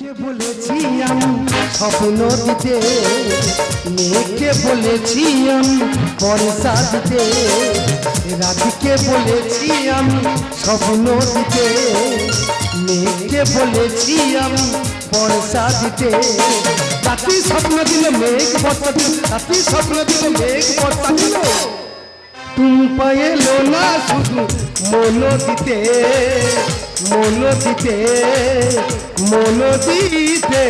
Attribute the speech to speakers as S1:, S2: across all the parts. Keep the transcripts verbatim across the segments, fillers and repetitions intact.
S1: মেয়েকে বলেছি আমি স্বপ্ন দিতে, মেয়েকে বলেছি আমি পয়সা দিতে, রাধিকে বলেছি আমি স্বপ্ন দিতে, মেয়েকে বলেছি আমি পয়সা দিতে। রাত্রি স্বপ্ন দিলে মেঘ বর্ষা দিল, রাত্রি স্বপ্ন দিলে মেঘ বর্ষা দিল, টুম্পা এলো না শুধু মন দিতে, মন দিতে, মন দিতে।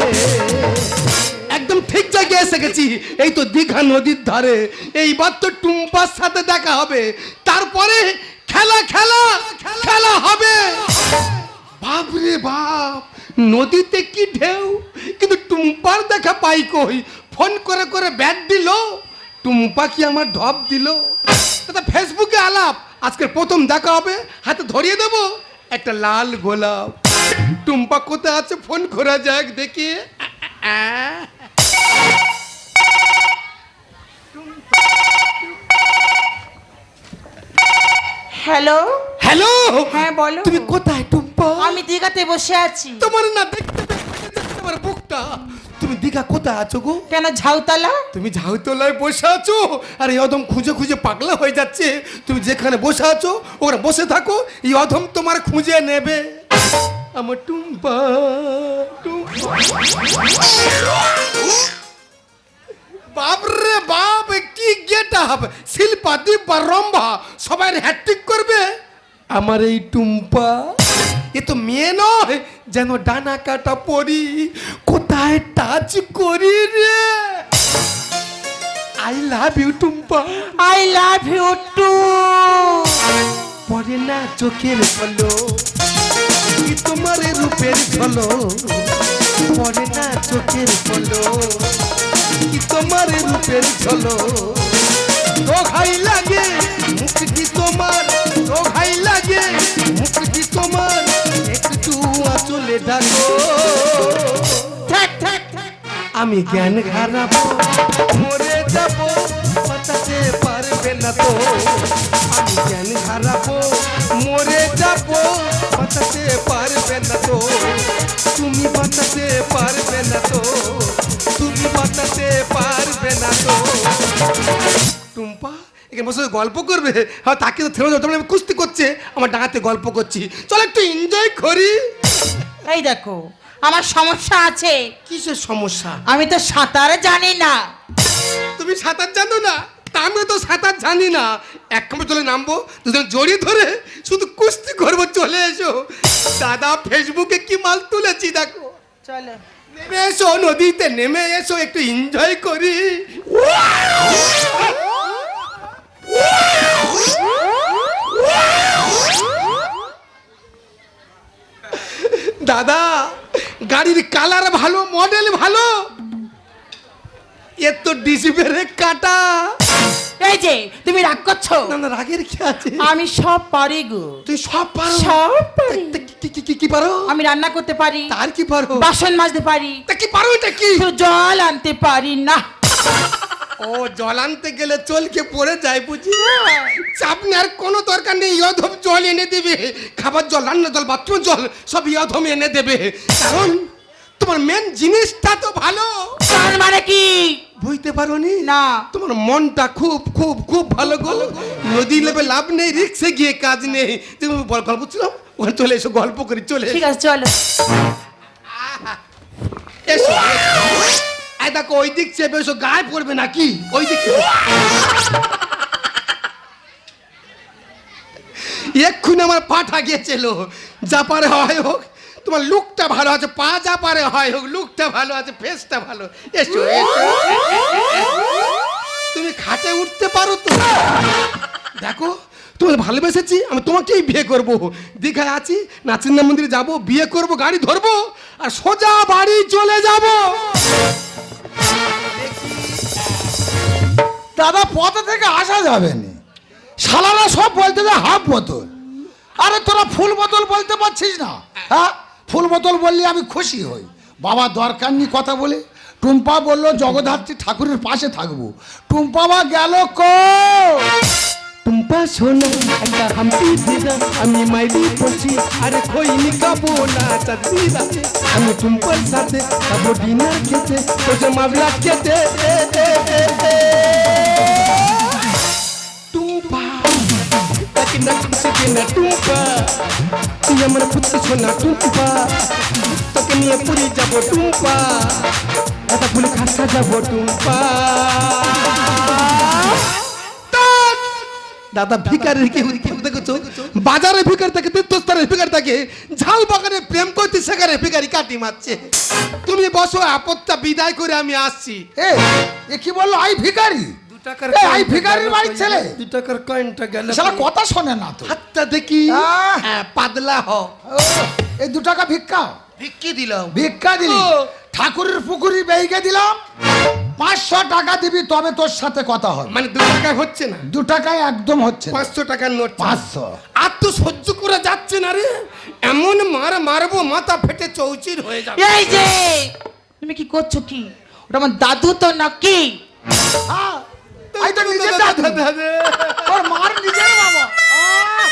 S1: একদম ঠিক জায়গায় এসে গেছি, এই তো দীঘা নদীর ধারে। এইবার তো টুম্পার সাথে দেখা হবে, তারপরে খেলা খেলা খেলা হবে। বাপরে বাপ, নদীতে কি ঢেউ, কিন্তু টুম্পার দেখা পাই কই। ফোন করে করে ব্যাট দিল, টুম্পা কি আমার ঢপ দিল। দাদা ফেসবুকে আলাপ, আজকের প্রথম দেখা হবে, হাতে ধরিয়ে দেবো একটা লাল গোলাপ। টুম্পা কোথায় আছে ফোন করা যাক দেখি।
S2: হ্যালো
S1: হ্যালো,
S2: হ্যাঁ বলো।
S1: তুমি কোথায় টুম্পা?
S2: আমি দীঘাতে বসে আছি।
S1: তোমার না দেখতে দেখতে দেখতে আমার বুকটা। তুমি দীঘা কোথায় আছো গো?
S2: কেন ঝাউতলা?
S1: তুমি ঝাউতলায় বসে আছো, আর এই অধম খুঁজে খুঁজে পাগলা হয়ে যাচ্ছে। তুমি যেখানে বসে আছো ওখানে বসে থাকো, এই অধম তোমার খুঁজে নেবে। আমার টুম্পা, টুম্পা। বাপরে বাপ, কি গেটা হবে, শিল্পা দীপা রম্ভা সবাই হ্যাট্রিক করবে। আমার এই টুম্পা এ তো মেয়ে নয়, যেন ডানা কাটা পরি। কোথায় টাচ করি রে। I love you Tumpa.
S2: I love you too.
S1: পরে না চোখের ফলো, কি তোমার রূপের ঝলো। পরে না চোখের ফলো, কি তোমার রূপের ঝলো। দোহাই লাগে মুখটি তোমার, দোহাই লাগে মুখটি তোমার, একটু আঁচলে ঢাকো।
S2: থাক থাক থাক।
S1: আমি জ্ঞান হারাবো, মরে যাবো, বাঁচাতে পারবে না তো। আমি জ্ঞান হারাবো, মরে যাবো, বাঁচাতে পারবে না তো। তুমি বাঁচাতে পারবে না তো, তুমি বাঁচাতে পারবে না তো। টুম্পা এখানে বসে গল্প করবে, হ্যাঁ তাকে তো থেমে যাও, তাহলে আমি কুস্তি করছে, আমার ডাঙাতে গল্প করছি, চল একটু এনজয় করি।
S2: এই দেখো আমার সমস্যা আছে।
S1: কিসের সমস্যা?
S2: আমি তো সাঁতার জানি না।
S1: তুমি সাঁতার জানো না? তা আমিও তো সাঁতার জানি না। এক কামড় চলে নামবো, দুজন জড়িয়ে ধরে শুধু কুস্তি করবো, চলে এসো। দাদা ফেসবুকে কি মাল তুলেছি দেখো।
S2: চলো
S1: নেমে এসো, নদীতে নেমে এসো, একটু এনজয় করি। দাদা গাড়ির কালার ভালো, মডেল ভালো, এর তো ডিসি ব্রেক কাটা।
S2: এই যে তুমি রাগ করছো।
S1: না না, রাগের কি আছে?
S2: আমি সব পারি গো।
S1: তুই সব পারো?
S2: সব পারি।
S1: তা কি- কি- কি- কি পারো?
S2: আমি রান্না করতে পারি,
S1: তার কি পারো?
S2: বাসন মাজতে পারি,
S1: তা কি পারো? এটা কি?
S2: শুধু জল আনতে পারি না।
S1: ও জল আনতে গেলে চলকে পড়ে যায় বুঝি। চাপ নেওয়ার কোনো দরকার নেই, ইয়ধম জল এনে দেবে। খাবার জল, রান্নার জল, বাথরুম জল সব ইয়ধম এনে দেবে। কারণ তোমার মেন জিনিসটা তো ভালো।
S2: তার মানে কি?
S1: বুঝতে পারো নি?
S2: না।
S1: তোমার মনটা খুব খুব খুব ভালো গো। নদী লেবে লাভ নেই, রিক্সে গিয়ে কাজ নেই। তুমি বল গল্প ছিলাম, ওখানে চলে এসো, গল্প করি, চলে
S2: ঠিক আছে চলো।
S1: এসো। এই দেখো ওই দিক চেপে এসো, গায়ে পড়বে নাকি? ওই দিক এক্ষুনি আমার পাঠা গিয়েছিল। যা পারে হয় হোক, তোমার লুকটা ভালো আছে, পা যা পারে হয় হোক, লুকটা ভালো আছে, ফেসটা ভালো। এসো এসো। তুমি খাটে উঠতে পারো তো? দেখো তোমাকে ভালোবেসেছি, আমি তোমাকেই বিয়ে করব। দীঘায় আছি, নাচিন্দা মন্দিরে যাব, বিয়ে করব, গাড়ি ধরবো আর সোজা বাড়ি চলে যাব।
S3: দাদা পথে থেকে আসা যাবে না, শালারা সব বলতে যে হাফ বোতল। আরে তোরা ফুল বোতল বলতে পারছিস না? হ্যাঁ ফুল বোতল বললে আমি খুশি হই। বাবা দরকার নেই কথা বলে। টুম্পা বললো জগদ্ধাত্রী ঠাকুরের পাশে থাকবো। টুম্পা বা গেল কো?
S1: টুম্পা সোনা একটা হাম্পি দিদা আমি মাইরি পড়ছি আরে খইনি খাবো না চাঁদনি রাতে আমি টুম্পার সাথে খাবো ডিনার খেতে তোকে মামলা খেতে টুম্পা তাকে না কিছু না টুম্পা তুই আমার পুত্র সোনা টুম্পা তোকে নিয়ে পুরী যাবো টুম্পা এটা ফুলে খাসা যাবো টুম্পা দাদা ভিকারের কি দেখছো বাজারে ভিকার থাকে তীর্থস্থানের ভিকার থাকে ঝাল বাগানে প্রেম করতে সেখানে ভিকারি কাটি মারছে তুমি বসো আপত্তা বিদায় করে আমি আসছি
S3: এ এ কি বললো আই ভিখারি
S1: দু টাকার
S3: এ, আই ভিখারির বাড়ির ছেলে
S1: দু টাকার কয়েনটা গেল
S3: শালা কথা শোনে না তো
S1: হাতটা দেখি
S3: আহ!
S1: হ্যাঁ, পাতলা হ
S3: ও, এই দু টাকা ভিক্ষা
S1: ভিক্ষি দিলাম
S3: ভিক্ষা দিলি
S1: ও।
S3: ঠাকুরের পুকুরি বেইকে দিলাম পাঁচশো টাকা দিবি তবে তোর সাথে কথা হবে
S1: মানে দু টাকায় হচ্ছে না
S3: দু টাকায় একদম হচ্ছে না।
S1: পাঁচশো টাকার নোট চাই।
S3: পাঁচশো
S1: আর তো সহ্য করা যাচ্ছে না রে এমন মার মারবো মাথা ফেটে চৌচির হয়ে যাবে
S2: এই যে তুমি কি করছো কি ওটা আমার দাদু তো নাকি
S3: হ্যাঁ, এই তো নিজের দাদু তোর মার নিজের বাবা আহ,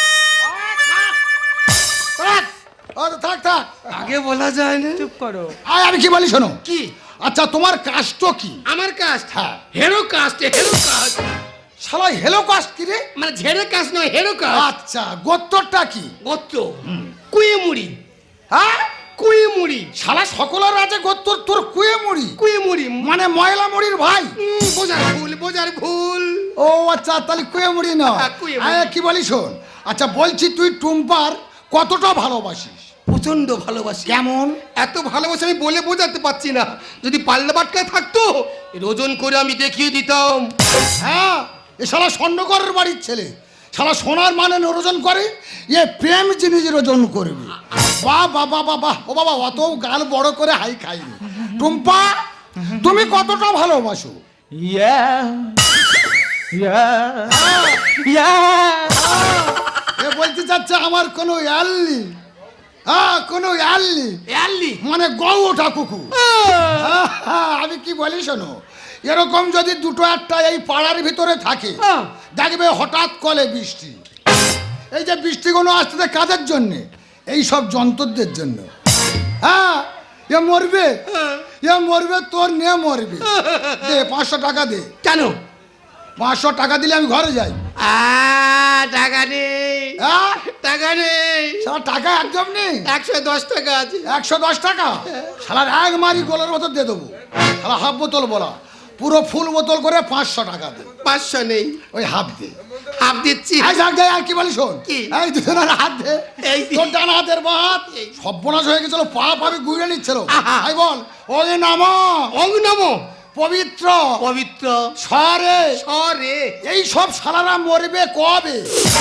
S3: আহ, থাক। ও, থাক থাক
S1: আগে বলা যায় না
S2: চুপ করো
S3: আয় আমি কি বলি শোনো
S1: কি
S3: আচ্ছা তোমার কাষ্ট কি
S1: আমার কাস্ট
S3: হ্যাঁ।
S1: হেরো কাস্ট হেরো কাস্ট
S3: শালা হেলো কাষ্ট কি রে
S1: মানে ঝেড়ে কাস্ট নয় হেরো কাস্ট
S3: আচ্ছা গোত্তরটা কি
S1: গোত্র কুইমুড়ি
S3: হ্যাঁ
S1: কুইমুড়ি
S3: শালা সকলের আছে গোত্তর তোর কুয়ে মুড়ি
S1: কুইমুড়ি
S3: মানে ময়লা মুড়ির ভাই
S1: উম, বোঝার ভুল বোঝার ভুল
S3: ও আচ্ছা তাহলে কুয়ে মুড়ি না
S1: হ্যাঁ, কুয়ে মুড়ি।
S3: কি বলি শোন আচ্ছা বলছি তুই টুম্পার কতটা ভালোবাসিস
S1: প্রচন্ড ভালোবাসি
S3: কেমন
S1: এত ভালোবাসি আমি বলে বোঝাতে পারছি না যদি পাল্লা বাটকায় থাকতো এর ওজন করে আমি দেখিয়ে দিতাম
S3: হ্যাঁ এ শালা স্বর্ণকরের বাড়ির ছেলে শালা সোনার মানে ওজন করে এ প্রেম জিনিসের ওজন করবে বাহ বাহ বাহ বাহ বাহ ও বাবা অত গাল বড় করে হাই খাইনি টুম্পা তুমি কতটা ভালোবাসো
S2: ইয়া ইয়া ইয়া
S3: এ বলতে চাচ্ছে আমার কোনো ইয়াল নেই হ্যাঁ কোনো ইয়াল নেই
S1: এয়ারলি
S3: মানে গৌ ওঠা কুকুর হ্যাঁ, আমি কি বলি শোনো এরকম যদি দুটো একটা এই পাড়ার ভিতরে থাকে
S1: হ্যাঁ।
S3: দেখবে হঠাৎ কলে বৃষ্টি এই যে বৃষ্টিগুলো আসতে কাদের জন্যে এই সব যন্ত্রদের জন্য হ্যাঁ এ মরবে এ মরবে তোর নিয়ে মরবে দে পাঁচশো টাকা দে
S1: কেন
S3: পাঁচশো টাকা দিলে আমি ঘরে যাই
S1: আ টাকা নেই
S3: হ্যাঁ
S1: টাকা নেই
S3: সারা টাকা একদম নেই
S1: একশো দশ টাকা আছে
S3: একশো দশ টাকা সালার এক মারি গোলের বোতল দিয়ে দেবো সালা হাফ বোতল বলা পুরো ফুল বোতল করে পাঁচশো টাকা দে
S1: পাঁচশো নেই
S3: ওই হাফ দে
S1: হাফ দিচ্ছি
S3: এই যাক দে আর কি বলি শোন
S1: কি?
S3: এই দুজনের হাত দে
S1: এই দি।
S3: তোর ডান হাতের বাঁ হাত
S1: এই।
S3: সর্বনাশ হয়ে গেছিল পা পাবি গুড়ে নিচ্ছিল
S1: আহা।
S3: এই বল ওই নাম
S1: অং নমো
S3: পবিত্র
S1: পবিত্র
S3: সরে
S1: সরে
S3: এই সব সালারা মরবে কবে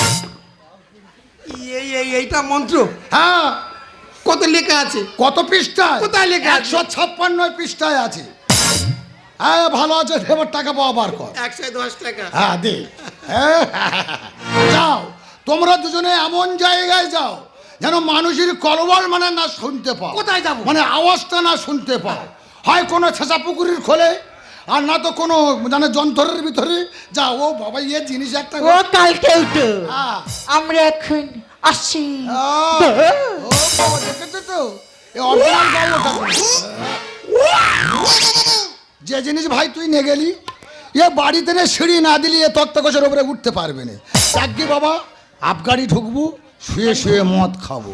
S1: এই এই এইটা মন্ত্র
S3: হ্যাঁ
S1: কত লেখা আছে
S3: কত পৃষ্ঠায়
S1: কোথায় লেখা আছে?
S3: একশো ছাপ্পান্ন পৃষ্ঠায় আছে হ্যাঁ ভালো আছে এবার টাকা পাওয়া বার কর
S1: একশো দশ টাকা
S3: হ্যাঁ দে যাও তোমরা দুজনে এমন জায়গায় যাও যেন মানুষের কলবল মানে না শুনতে পাও
S1: কোথায় যাবো?
S3: মানে আওয়াজটা না শুনতে পাও হয় কোনো ছেঁচা পুকুরির খোলে আর না তো কোনো মানে যন্ত্রের ভিতরে যাও ও বাবা ইয়ে জিনিস একটা
S2: ও কালকে উঠো
S3: হ্যাঁ।
S2: আমরা এখন আসছি
S3: আহ, ও বাবা দেখেছো তো এ অরিজিনাল গল্পটা যে জিনিস ভাই তুই নিয়ে গেলি এ বাড়িতে নে সিঁড়ি না দিলি এ তক্তকোষের উপরে উঠতে পারবে না চাকরি বাবা আবগাড়ি ঢুকবো শুয়ে শুয়ে মদ খাবো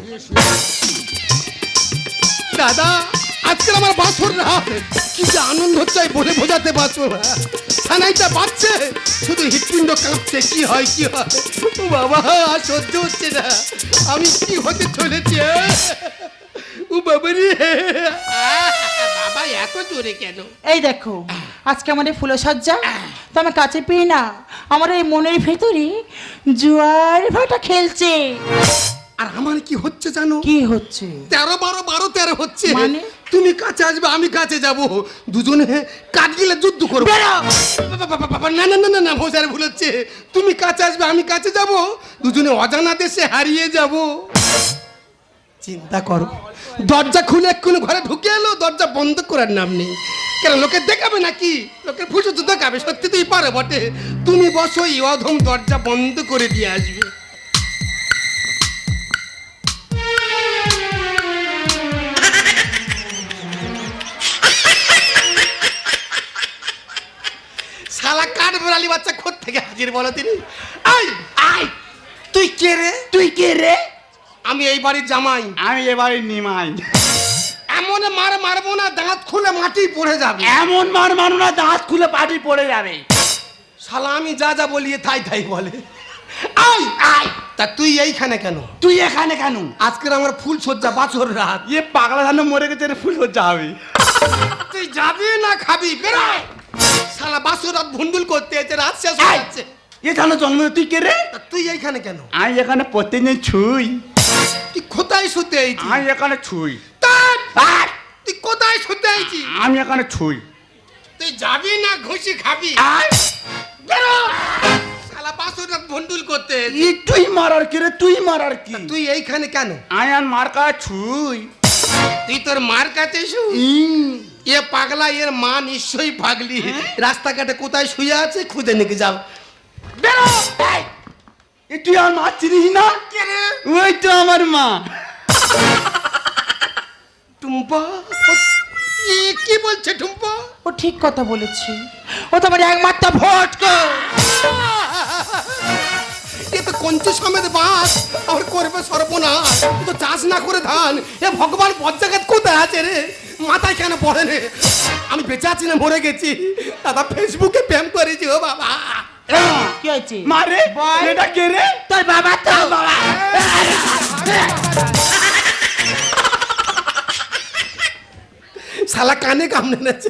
S1: দাদা আজকাল আমার বাছর রাত কি যে আনন্দ হচ্ছে আমি বলে বোঝাতে পারছো না সানাইটা বাজছে শুধু হৃৎপিণ্ড কাঁপছে কি হয় কি হয় ও বাবা আর সহ্য হচ্ছে না আমি কি হতে চলেছি ও বাবা রে বাবা এত জোরে কেন
S2: এই দেখো আজকে আমাদের ফুলসজ্জা তো আমি কাছে পেয়ে না আমার এই মনের ভেতরে জোয়ার ভাটা খেলছে
S1: আর আমার কি হচ্ছে জানো
S2: কি হচ্ছে
S1: তেরো বারো বারো তেরো হচ্ছে
S2: মানে?
S1: তুমি কাছে আসবে আমি কাছে যাব দুজনে কাঠ গিলে যুদ্ধ করবো
S2: বেরো!
S1: বাবা, বাবা, বাবা, না না না না না ভোজার ভুল হচ্ছে তুমি কাছে আসবে আমি কাছে যাব দুজনে অজানা দেশে হারিয়ে যাব চিন্তা করো দরজা খুলে এক্ষুনি ঘরে ঢুকে এলো দরজা বন্ধ করার নাম নেই কেন লোকে দেখাবে নাকি? লোকের ফুসু তো দেখাবে, সত্যি তুই পারে বটে। তুমি বসো, এই অধম দরজা বন্ধ করে দিয়ে আসবে। শালা কাঠ বেড়ালি বাচ্চা খোদ থেকে হাজির বলো তিনি। আই আই তুই কে রে?
S4: তুই কে রে?
S1: আমি এই বাড়ির জামাই।
S4: আমি এবারে নিমাই।
S1: এমন মার মারবো না দাঁত খুলে মাটি পড়ে যাবে।
S4: এমন মার মারু না দাঁত খুলে পাটি পড়ে যাবে।
S1: শালা আমি যা যা বলি তাই তাই বলে। আই আই তা তুই এইখানে কেন?
S4: তুই এখানে কেন?
S1: আজকের আমার ফুল সজ্জা বাছর রাত।
S4: ইয়ে পাগলা ধান মরে গেছে রে, ফুল হচ্ছে হবে।
S1: তুই যাবি না খাবি? বেরোয়। শালা বাছর রাত ভুন্ডুল করতে এসে রাত শেষ হয়ে যাচ্ছে।
S4: এখানে জন্ম, তুই কে রে?
S1: তা তুই এইখানে কেন?
S4: আমি এখানে প্রত্যেকদিন ছুই।
S1: তুই কোথায় শুতে আইছি?
S4: আমি এখানে ছুই।
S1: আর তুই কোথায় শুতে আইছি?
S4: আমি এখানে ছুই।
S1: তুই যাবি না ঘুষি খাবি? বেরো। শালা বাছর রাত ভুন্ডুল করতে এসে।
S4: ই তুই মারার কি রে? তুই মারার কি?
S1: তুই এইখানে কেন?
S4: আমি আর মার কা ছুই।
S1: তুই তোর মার কাছে শু। এ পাগলা, এর মা নিশ্চয়ই পাগলি। রাস্তাঘাটে কোথায় শুয়ে আছে খুঁজে নিয়ে যাও। বেরো।
S4: এ তুই আর মা চিনিস না?
S1: কে রে?
S4: ওই তো আমার মা।
S1: টুম্পা? এ কি বলছে টুম্পা?
S2: ও ঠিক কথা বলেছে, ও তো আমার একমাত্র ভটকা।
S1: এ তো কঞ্চি সমেত বাস আর করবে সর্বনাশ। তুই তো চাষ না করে ধান। এ ভগবান বজ্জাগাত কোথায় আছে রে? মাথায় কেন পড়ে রে? আমি বেঁচে আছি না মরে গেছি? দাদা ফেসবুকে প্রেম করেছি। ও বাবা,
S2: কি হয়েছে?
S4: মারে
S2: বল।
S4: এটা কে রে?
S2: তোর বাবা তো। বাবা
S1: শালা কানে কামড়ে নেছে।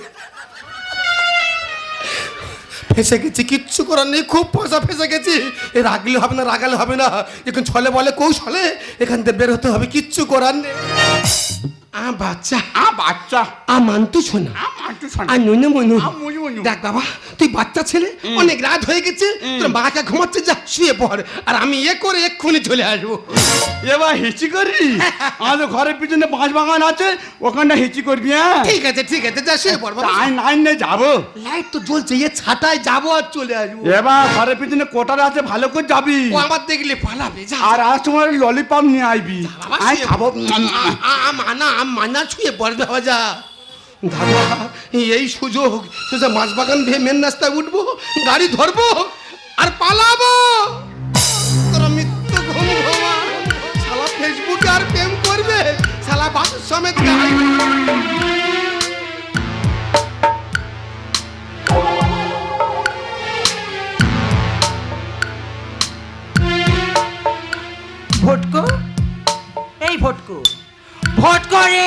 S1: ফেসে গেছি, কিচ্ছু করার নেই। খুব পয়সা ফেসে গেছি। এ রাগলে হবে না, রাগালে হবে না। এখন ছলে বলে কৌশলে এখান থেকে বের হতে হবে। কিচ্ছু করার নেই। আ বাচ্চা,
S4: আ বাচ্চা,
S1: আ মানতু শোনা,
S4: আ মাটু শোনা,
S1: আর নুনু মনু।
S4: আ মুজু মুজু।
S1: দেখ বাবা, তুই বাচ্চা ছেলে, অনেক রাত হয়ে গেছে। তোর মাকে ঘুমাচ্ছে, যা শুয়ে পড়। আর আমি এ করে এক্ষুনি চলে আসবো।
S4: এবার হিচি করবি? আমাদের ঘরের পিছনে বাঁশ বাগান আছে, ওখানটা হিচি করবি। হ্যাঁ
S1: ঠিক আছে ঠিক আছে, যা শুয়ে পড় বাবা।
S4: তাই নাইন নে যাবো।
S1: লাইট তো জ্বলছে, এ ছাটায় যাবো আর চলে আসবো।
S4: এবার ঘরের পিছনে কোটার আছে, ভালো করে যাবি।
S1: ও আমার দেখলে পালাবে। যা
S4: আর আজ তোমার ললিপপ নিয়ে আসবি,
S1: বাবা,
S4: আমি
S1: শুয়ে
S4: খাবো।
S1: আ- আ- আ- মানা আম- মানা ছুঁয়ে পড়বে বাবা। যা দাদা, এই সুযোগ সোজা মাছ বাগান ভেয়ে মেন রাস্তায় উঠবো, গাড়ি ধরবো আর পালাবো। তোরা মৃত্যু ঘুম ঘুমা। শালা ফেসবুকে আর প্রেম করবে, শালা বাসের সমেত গাড়ি।
S2: ভটকো, এই ভটকো, ভটকো রে।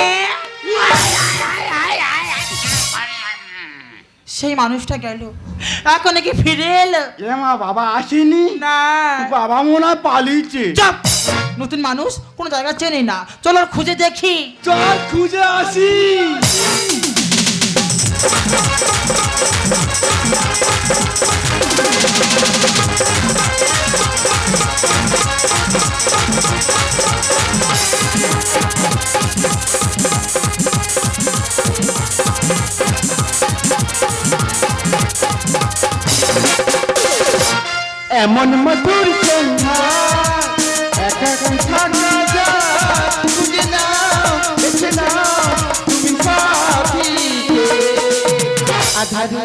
S2: সেই মানুষটা গেল, এখন নাকি ফিরে এলো।
S4: এ মা, বাবা আসেনি?
S2: না,
S4: বাবা মনে হয় পালিয়েছে।
S2: চুপ। নতুন মানুষ কোনো জায়গা চেনে না, চলো ওর খুঁজে দেখি।
S4: চল খুঁজে আসি। এমন মধুর সন্ধ্যা, একা একা না যা, খুঁজে নাও, বেছে নাও তুমি সাথীকে। আধারি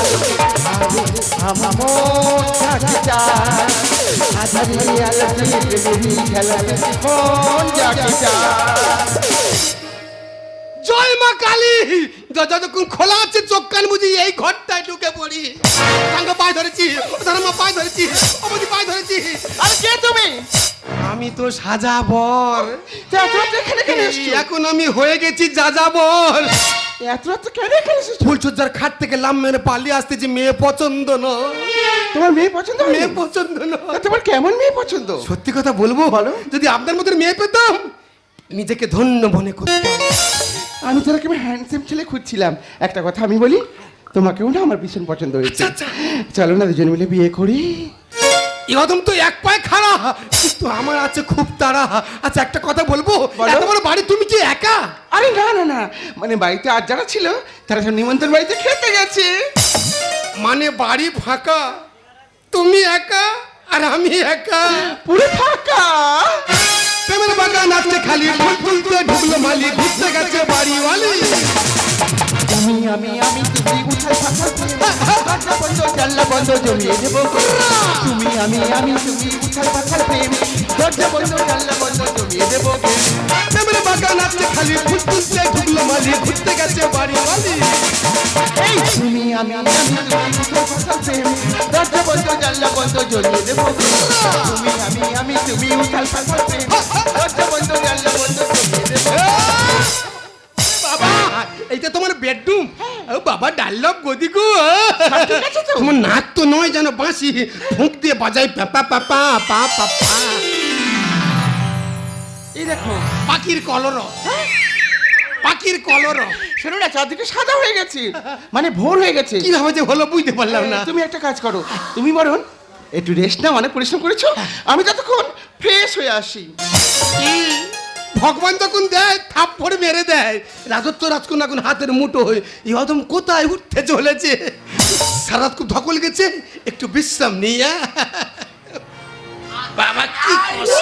S4: আমার মন থাকে যায়, আধারি আলোতে প্রেমেরই খেলাতে মন জাগে যায়।
S1: জয় মা কালী। য- যতক্ষণ খোলা আছে চোখ কান বুঝি এই ঘরটায় ঢুকে পড়ি। সাঙ্গ পায়ে ধরেছি, ওদের মা পায়ে ধরেছি, অবধি পায়ে ধরেছি।
S2: আর কে তুমি?
S1: আমি তো সাজাবর।
S2: এত রাতে এখানে কেন এসছো?
S1: এখন আমি হয়ে গেছি যাযাবর।
S2: এত রাতে কেন এখানে এসেছো?
S1: ফুলসজ্জার খাট থেকে লাম মেরে পালিয়ে আসতেছি। মেয়ে পছন্দ নয়।
S2: তোমার মেয়ে পছন্দ হয়নি?
S1: মেয়ে পছন্দ নয়।
S2: তোমার কেমন মেয়ে পছন্দ?
S1: সত্যি কথা বলবো,
S2: বলো।
S1: যদি আপনার মতো মেয়ে পেতাম নিজেকে ধন্য মনে করতাম।
S5: আমি তোরা কেমন হ্যান্ডসাম ছেলে খুঁজছিলাম। একটা কথা আমি বলি, তোমাকেও না আমার ভীষণ পছন্দ হয়েছে।
S1: আচ্ছা, আচ্ছা।
S5: চলো না দুজন মিলে বিয়ে করি।
S1: এরকম তো এক পায়ে খাড়া, কিন্তু আমার আছে খুব তাড়া। আচ্ছা একটা কথা বলবো,
S5: বলো।
S1: এত বড় বাড়ি তুমি কি একা?
S5: আরে না না না, মানে বাড়িতে আর যারা ছিল তারা সব নিমন্ত্রণ বাড়িতে খেতে গেছে।
S1: মানে বাড়ি ফাঁকা, তুমি একা আর আমি একা।
S5: পুরো ফাঁকা।
S1: প্রেমের বাগান আছে খালি, ফুল তুলতে ঢুকলো মালি, ঘুরতে গেছে বাড়িওয়ালি।
S5: তুমি আমি আমি তুমি উঠাল পাখাল প্রেম, দরজা বন্ধ জানলা বন্ধ জমিয়ে দেবো। তুমি আমি আমি তুমি উঠাল পাখাল প্রেম, দরজা বন্ধ জানলা বন্ধ জমিয়ে দেবো।
S1: প্রেমের বাগান আছে খালি, ফুল তুলতে ঢুকলো মালি, ঘুরতে গেছে বাড়িওয়ালি।
S5: এই তুমি আমি আমি তুমি উঠাল পাখাল প্রেম, দরজা বন্ধ জানলা বন্ধ জমিয়ে দেবো। তুমি আমি আমি তুমি উঠাল পাখাল প্রেম, দরজা বন্ধ জানলা বন্ধ জমিয়ে দেবো।
S1: বাবা এইটা তোমার বেডরুম? ও বাবা ডাল্লভ গদি গো। তোমার নাক তো নয় যেন বাঁশি, ফুঁক দিয়ে বাজাই পাপা পাপা পা পাপা।
S5: এই দেখো
S1: পাখির কলর, পাখির কলর।
S5: শোনো না, চারদিকে সাদা হয়ে গেছে, মানে ভোর হয়ে গেছে।
S1: কিভাবে যে হলো বুঝতে পারলাম না।
S5: তুমি একটা কাজ করো, তুমি বরং একটু রেস্ট নাও, অনেক পরিশ্রম করেছো, আমি ততক্ষণ ফ্রেশ হয়ে আসি।
S1: কি ভগবান যখন দেয় থাপ পড়ে মেরে দেয়, রাজত্ব রাজকুন এখন হাতের মুঠো হয়ে এই অদম কোথায় উঠতে চলেছে। সারাত খুব ধকল গেছে, একটু বিশ্রাম নিয়ে। বাবা কি কষ্ট।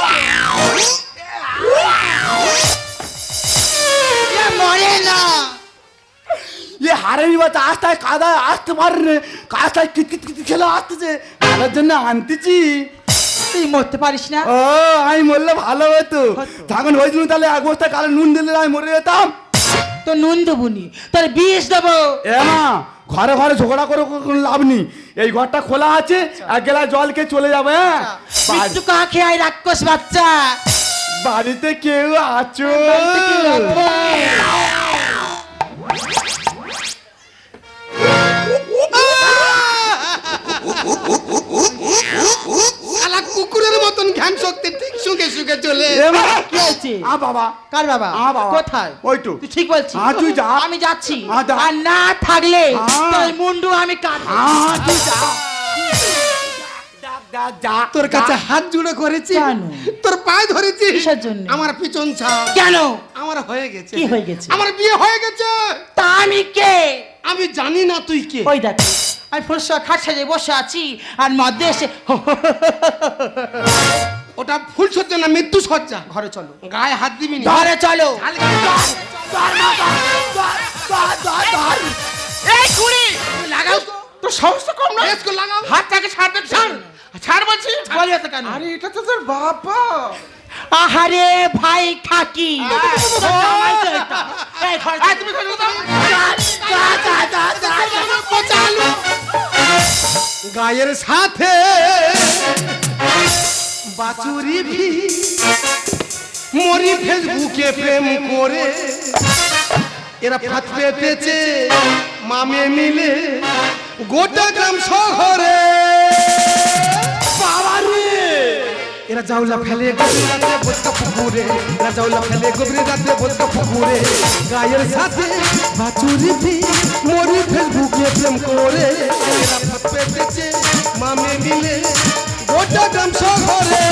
S2: মরে না।
S4: ये हारे भी बात आज तक कादा आज तुम्हारे काज तक कित कित कित খেলা আসতেছে, আমার জন্য আনতেছি।
S2: তুই মরতে পারিস না?
S4: ও আমি মরলে ভালো হতো, তখন হয়েছিল তাহলে এক বস্তা কালো নুন দিলে আমি মরে যেতাম।
S2: তো নুন দেবুনি, তোর বিষ দেবো।
S4: এ মা, ঘরে ঘরে ঝগড়া করে কোনো লাভ নেই, এই ঘরটা খোলা আছে, এক গেলা জল খেয়ে চলে যাবে। হ্যাঁ
S2: মৃত্যু কাকে আয় রাক্ষস বাচ্চা।
S4: বাড়িতে কেউ আছো?
S1: শালা কুকুরের মতন ঘ্যান শক্তি ঠিক শুকে শুকে চলে।
S4: এ মা,
S2: কি হয়েছে?
S4: আ বাবা,
S2: কার বাবা?
S4: আ বাবা।
S2: কোথায়?
S4: ওই তো।
S2: তুই ঠিক বলছিস।
S4: আ, তুই যা।
S2: আমি যাচ্ছি।
S4: আ, যা।
S2: আর না থাকলে
S4: আ।
S2: তোর মুন্ডু আমি কাটবো।
S4: আ, তুই যা। যা, যা, যা,
S1: তোর কাছে
S4: যা।
S1: হাত জুড়ে করেছি,
S2: কেন?
S1: তোর পায়ে ধরেছি।
S2: কিসের জন্য?
S1: আমার পিছন ছাড়।
S2: কেন?
S1: আমার হয়ে গেছে।
S2: কি হয়ে গেছে?
S1: আমার বিয়ে হয়ে গেছে।
S2: তা আমি কে?
S1: আমি জানি না তুই কে।
S2: ওই দেখ, আমি ফুলসা খাট সাজে বসে আছি আর মধ্যে এসে
S1: ওটা ফুল সজ্জা না মৃত্যু সজ্জা।
S2: ঘরে চলো।
S1: গায়ে হাত দিবি না।
S2: ঘরে চলো।
S5: এই কুড়ি
S1: লাগাও তো।
S5: তোর সাহস তো কম না,
S1: বেশ করে লাগাও।
S5: হাতটাকে ছাড় দে, ছাড় ছাড় বলছি।
S2: বলি তো কেন?
S5: আরে এটা তো তোর বাবা।
S2: আহারে ভাই খাকি, জামাই তো এটা। এই ঘরে
S5: এই তুমি ঘরে যাও।
S1: গায়ের সাথে বাছুরি ভি মরি ফেসবুকে প্রেম করে, এরা ফাঁদ পেতেছে মামে মিলে গোটা গ্রাম শহরে। এরা জাউলা ফেলে গভীর রাতে বোঝকা পুকুরে, এরা জাউলা ফেলে গভীর রাতে বোঝকা পুকুরে। গায়ের সাথে বাছুরি ভি মরি ফেসবুকে প্রেম করে, এরা ফাঁদ পেতেছে মামে মিলে গোটা গ্রাম শহরে।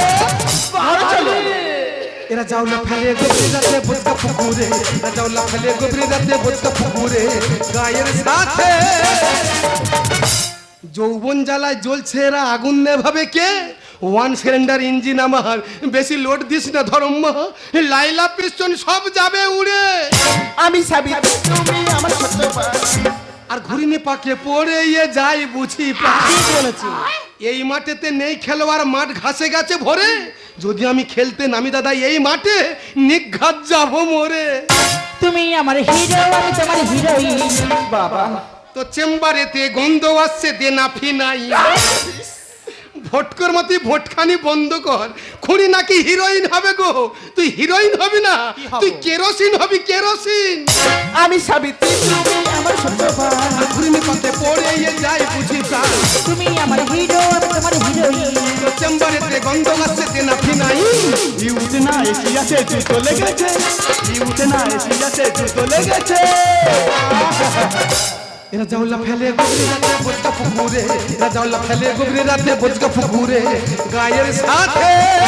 S1: এরা জাউলা ফেলে গভীর রাতে বোঝকা পুকুরে, এরা জাউলা ফেলে গভীর রাতে বোঝকা পুকুরে। গায়ের সাথে যৌবন জ্বালায় জ্বলছে এরা আগুন নেভাবে কে? ওয়ান সিলিন্ডার ইঞ্জিন আমার, বেশি লোড দিস না ধর্ম, লাইলা পিস্টন সব যাবে উড়ে।
S5: আমি সাবিত, তুমি আমার ছোট্ট পাখি।
S1: আর ঘুরিনি পাকে পড়ে ইয়ে যাই বুঝি পা।
S2: ঠিক বলেছি।
S1: এই মাঠেতে নেই খেলোয়াড়, মাঠ ঘাসে গেছে ভরে। যদি আমি খেলতে নামি দাদা এই মাঠে, নিঘাত যাবো মরে।
S2: তুমি আমার হিরো, আমি তোমার হিরোইন।
S5: বাবা
S1: তো চেম্বারেতে গন্ধ আসছে দেনা ফিনাই। ভোটকর মতি ভোটখানি বন্ধ কর, খুনি নাকি হিরোইন হবে গো। তুই হিরোইন হবি না, তুই কেরোসিন হবি কেরোসিন।
S5: আমি সাবিত্রী, তুমি আমার ছোট্ট পাখি।
S1: ঘুরিনি পাকে পড়ে ইয়ে যাই বুঝি প্রাণ।
S2: তুমি আমার হিরো, আমি তোমার হিরোইন।
S1: তো চেম্বারেতে গন্ধ আসছে দেনা ফিনাই।
S4: ইউতে না এসি আছে তুই তো লেগেছে, ইউতে না এসি আছে তুই তো লেগেছে।
S1: এরা জাউলা ফেলে গভীর রাতে বোঝকা পুকুরে, এরা জাউলা ফেলে গভীর রাতে বোঝকা পুকুরে গায়ের সাথে।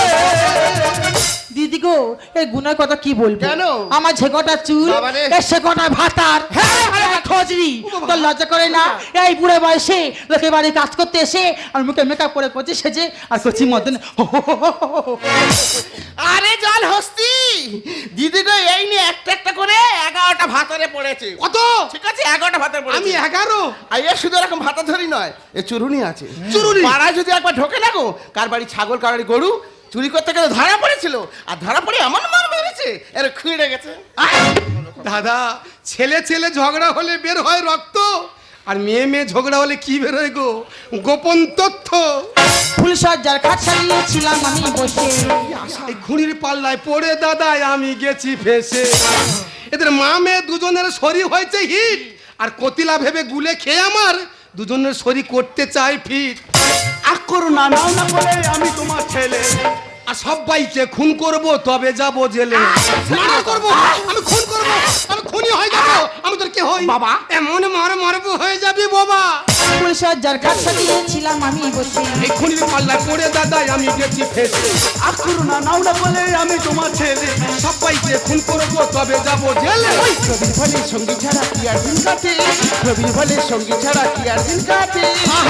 S2: দিদি গো এই গুনার কথা কি বলবো?
S5: কেন?
S2: আমার যে কটা চুল,
S5: বাবারে।
S2: এ সে কটা ভাতার, হ্যাঁ খোঁজরি, তোর লজ্জা করে না? এই বুড়ো বয়সে লোকের বাড়ি কাজ করতে এসে আর মুখে মেকআপ করে করছে সেজে আর করছি মদন।
S5: আরে জল হস্তি দিদি গো, এই নিয়ে একটা একটা করে এগারোটা ভাতারে পড়েছে।
S1: কত?
S5: ঠিক আছে, এগারোটা ভাতারে পড়েছে।
S1: আমি এগারো।
S5: আর এ শুধু এরকম ভাতা ধরি নয়, এ চুরুনি আছে।
S1: চুরুনি?
S5: পাড়ায় যদি একবার ঢোকে না গো, কার বাড়ি ছাগল কার বাড়ি গরু চুরি করতে গেলে ধরা পড়েছিল, আর ধরা পড়ে এমন মার মেরেছে এর খুঁড়ে গেছে।
S1: দাদা, ছেলে ছেলে ঝগড়া হলে বের হয় রক্ত, আর মেয়ে মেয়ে ঝগড়া হলে কি বেরোয় গো? গোপন তথ্য।
S2: ফুলসজ্জার খাট সাজিয়েছিলাম আমি বসে,
S1: এই খুঁড়ির পাল্লায় পড়ে দাদাই আমি গেছি ফেসে। এদের মা মেয়ে দুজনের শরীর হয়েছে হিট, আর কতিলা ভেবে গুলে খেয়ে আমার দুজনের শরীর করতে চাই ফিট।
S4: আক করো না, নাও না বলে আমি তোমার ছেলে।
S1: আর সবাইকে খুন করব তবে যাব জেলে। মার্ডার করব, আমি খুন করব, আমি খুনি হয়ে যাব। আমি তোর কে হই
S5: বাবা?
S1: এমন মার মারবো হয়ে যাবি বাবা।
S2: ফুলসজ্জার খাট সাজিয়েছিলাম আমি বসে,
S1: এই খুনির পাল্লায় পড়ে দাদাই আমি গেছি ফেসে।
S4: আক করো না, নাও না বলে আমি তোমার ছেলে।
S1: সবাইকে খুন করব তবে যাব জেলে।
S5: রবির ফলে সঙ্গী ছাড়া কি আর দিন কাটে, রবির ফলে সঙ্গী ছাড়া কি আর দিন কাটে।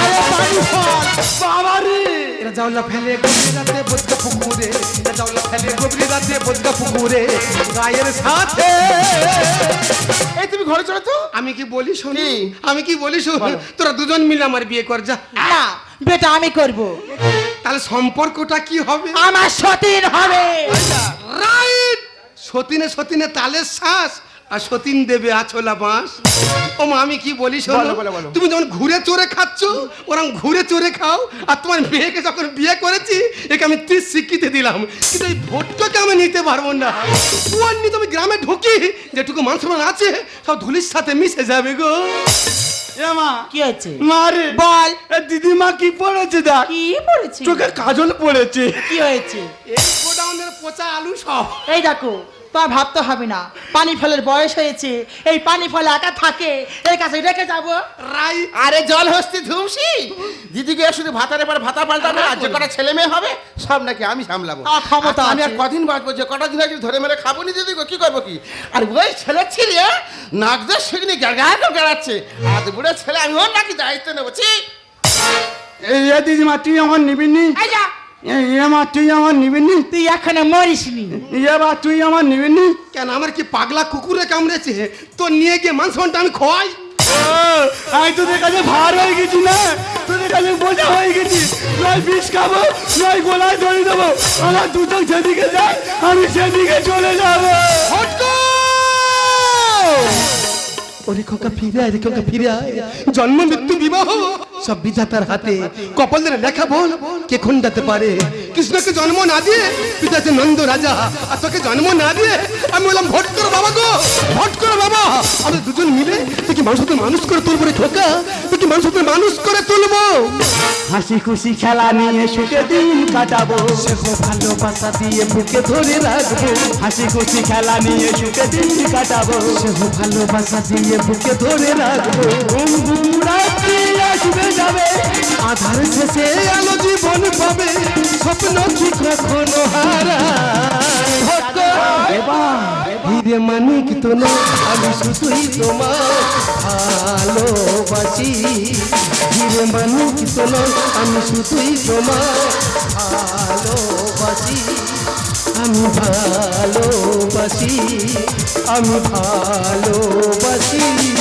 S4: বাবা রে,
S1: এরা জাউলা ফেলে গভীর রাতে বোঝকা পুকুরে, এরা জাউলা ফেলে গভীর রাতে বোঝকা পুকুরে গায়ের সাথে।
S5: এই তুমি ঘরে চলো তো।
S1: আমি কি বলি শোন,
S5: কি?
S1: আমি কি বলি শোন, তোরা দুজন মিলে আমার বিয়ে কর যা।
S2: না বেটা আমি করব,
S1: তাহলে সম্পর্কটা কি হবে?
S2: আমার সতীন হবে।
S1: রাইট, সতীনে সতীনে তালের শ্বাস, আর সতীন দেবে আছলা বাঁশ। ও মা, আমি কি বলি শোনো,
S5: বলো, বলো, বলো।
S1: তুমি যখন ঘুরে চড়ে খাচ্ছ ওরকম ঘুরে চড়ে খাও। আর তোমার মেয়েকে যখন বিয়ে করেছি একে আমি ত্রিশ স্বীকৃতি দিলাম, কিন্তু এই ভোটটাকে আমি নিতে পারবো না। ওর নিয়ে তুমি গ্রামে ঢুকি যেটুকু মান সম্মান আছে সব ধুলির সাথে মিশে যাবে গো।
S4: এ মা,
S2: কি হয়েছে?
S4: মারে
S2: বল
S4: এ দিদিমা কি পড়েছে দেখ,
S2: কি পড়েছি?
S4: চোখে কাজল পড়েছে।
S2: কি হয়েছে?
S1: এই গোডাউনের পচা আলু সব।
S2: এই দেখো, তোমার ভাবতে হবে না, পানি ফলের বয়স হয়েছে, এই পানি ফল একা থাকে, এর কাছে রেখে যাবো।
S1: রাইট।
S5: আরে জল হস্তি ধুমসি দিদিকে শুধু ভাতারে পর ভাতা পাল্টাবে, আর যে কটা ছেলে মেয়ে হবে সব নাকি আমি সামলাবো।
S2: আ, ক্ষমতা
S5: আর আমি আর
S2: আছে।
S5: কদিন বাঁচবো, যে কটা দিন আগে ধরে মেরে খাবো নি দিদি গো, কি করবো কি? আর ওই ছেলে ছিলে নাকদের সেখানে গাড়গাড় করে গাড়াচ্ছে, আর বুড়ো ছেলে আমি ওর নাকি দায়িত্ব নেবো। ছি!
S4: এই এ দিদিমা তুই আমার নিবি নি?
S2: এই যা,
S4: এই এ মা তুই আমার নিবি নি?
S2: তুই এখানে মরিস নি।
S4: ইয়ে বা তুই আমার নিবি নি?
S1: কেন, আমার কি পাগলা কুকুরে কামড়েছে? তো নিয়ে গিয়ে মাংস আমি খোয়াই।
S4: আমি তোদের কাছে ভার হয়ে গেছি না, তোদের কাছে বোঝা হয়ে গেছি। নয় বিষ খাবো, নয় গোলায় ধরে দেবো। আমার দুটো যেদিকে যায় আমি সেদিকে চলে যাবো।
S1: ওরে খোকা ফিরে আয় রে খোকা ফিরে আয়, জন্ম মৃত্যু বিবাহ সব বিধাতার হাতে। কপালের লেখা বল কে খণ্ডাতে পারে? কৃষ্ণকে জন্ম না দিয়ে পিতা যে নন্দ রাজা, আর তোকে জন্ম না দিয়ে আমি বললাম ভোট করো বাবা গো, ভোট করো বাবা। আমরা দুজন মিলে তুই কি মানুষ হতে মানুষ করে তুলবো রে খোকা, তুই কি মানুষ হতে মানুষ করে তুলবো।
S4: হাসি খুশি খেলা নিয়ে সুখে দিন কাটাবো,
S1: ভালোবাসা দিয়ে বুকে ধরে রাখবো,
S4: হাসি খুশি খেলা নিয়ে সুখে দিন কাটাবো।
S1: ভালোবাসা দিয়ে বুকে ধরে রাখবো।
S4: ঘুম ঘুম রাত্রি আসবে যাবে,
S1: আধার শেষে আলো জীবন পাবে, স্বপ্ন কি কখনো হারায়। হিরে মানিক তো না, আমি শুধুই তোমার ভালোবাসি। হিরে মানিক তো না, আমি শুধুই তোমার ভালোবাসি। আমি ভালোবাসি, আমি ভালোবাসি।